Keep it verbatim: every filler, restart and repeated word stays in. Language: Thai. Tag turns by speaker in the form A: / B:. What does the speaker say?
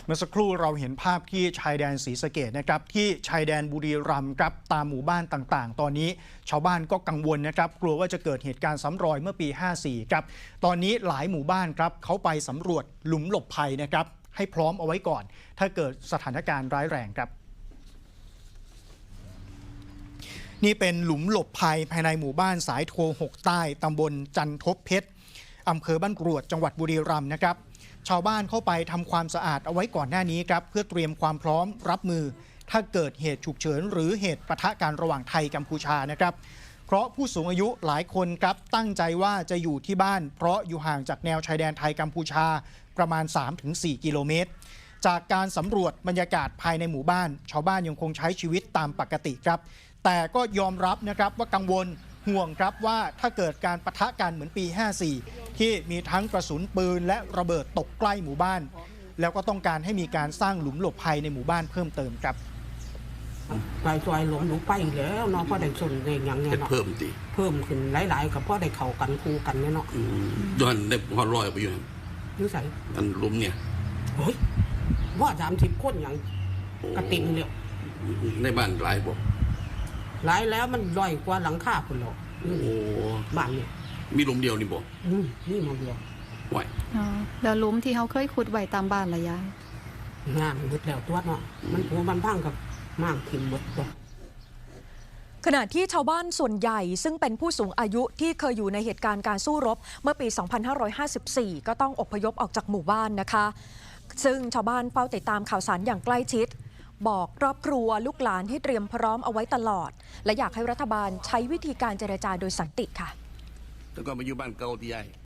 A: มื่อสักครู่เราเห็นภาพที่ชายแดนศรีสะเกษนะครับที่ชายแดนบุรีรัมย์ครับตามหมู่บ้านต่างๆตอนนี้ชาวบ้านก็กังวลนะครับกลัวว่าจะเกิดเหตุการณ์ซ้ำรอยเมื่อปีห้าสี่ครับตอนนี้หลายหมู่บ้านครับเขาไปสำรวจหลุมหลบภัยนะครับให้พร้อมเอาไว้ก่อนถ้าเกิดสถานการณ์ร้ายแรงครับนี่เป็นหลุมหลบภัยภายในหมู่บ้านสายโทหกใต้ตำบลจันทบเพชรอำเภอบ้านกรวดจังหวัดบุรีรัมย์นะครับชาวบ้านเข้าไปทำความสะอาดเอาไว้ก่อนหน้านี้ครับเพื่อเตรียมความพร้อมรับมือถ้าเกิดเหตุฉุกเฉินหรือเหตุปะทะกันระหว่างไทยกัมพูชานะครับเพราะผู้สูงอายุหลายคนครับตั้งใจว่าจะอยู่ที่บ้านเพราะอยู่ห่างจากแนวชายแดนไทยกัมพูชาประมาณ สามถึงสี่ กิโลเมตรจากการสำรวจบรรยากาศภายในหมู่บ้านชาวบ้านยังคงใช้ชีวิตตามปกติครับแต่ก็ยอมรับนะครับว่ากังวลห่วงครับว่าถ้าเกิดการปะทะกันเหมือนปีห้าสี่ที่มีทั้งกระสุนปืนและระเบิดตกใกล้หมู่บ้านแล้วก็ต้องการให้มีการสร้างหลุมหลบภัยในหมู่บ้านเพิ่มเติมครับ
B: ไปซอยหลงหนูไปแล้วเนาะพ่อได้ส่วนเองอย่างเงี้ยเนาะ
C: เพิ่มตี
B: เพิ่มขึ้นหลายๆกับพ่อได้เข่ากันคู่กันเนี่ยเนาะ
C: ย้อนได้พอลอยไปอยู่
B: นิสัย
C: อันลุมเนี่ย
B: เฮ้ยว่าสามสิบคนอย่างกระติ่งเลย
C: ในบ้านหลายบ่
B: หลายแล้วมันลอยกว่าหลังคาคนหรอก
C: โอ้
B: บ้านเนี่ย
C: มีลุมเดียวนี่บ่
B: อืมนี่มันเดียว
C: ไหว
D: อ๋อแล้วลุมที่เขาเคยขุดไว้ตามบ้านละยาย
B: งานหมดแล้วตัวเนาะมันหัวมันพังกับมากขึ้นหมดตัว
E: ขณะที่ชาวบ้านส่วนใหญ่ซึ่งเป็นผู้สูงอายุที่เคยอยู่ในเหตุการณ์การสู้รบเมื่อปี สองพันห้าร้อยห้าสิบสี่ ก็ต้องอพยพออกจากหมู่บ้านนะคะซึ่งชาวบ้านเฝ้าติดตามข่าวสารอย่างใกล้ชิดบอกครอบครัวลูกหลานให้เตรียมพร้อมเอาไว้ตลอดและอยากให้รัฐบาลใช้วิธีการเจรจาโดยสันติค่ะ
C: แล้วก็มาอยู่บ้านเก่าที่ใหญ่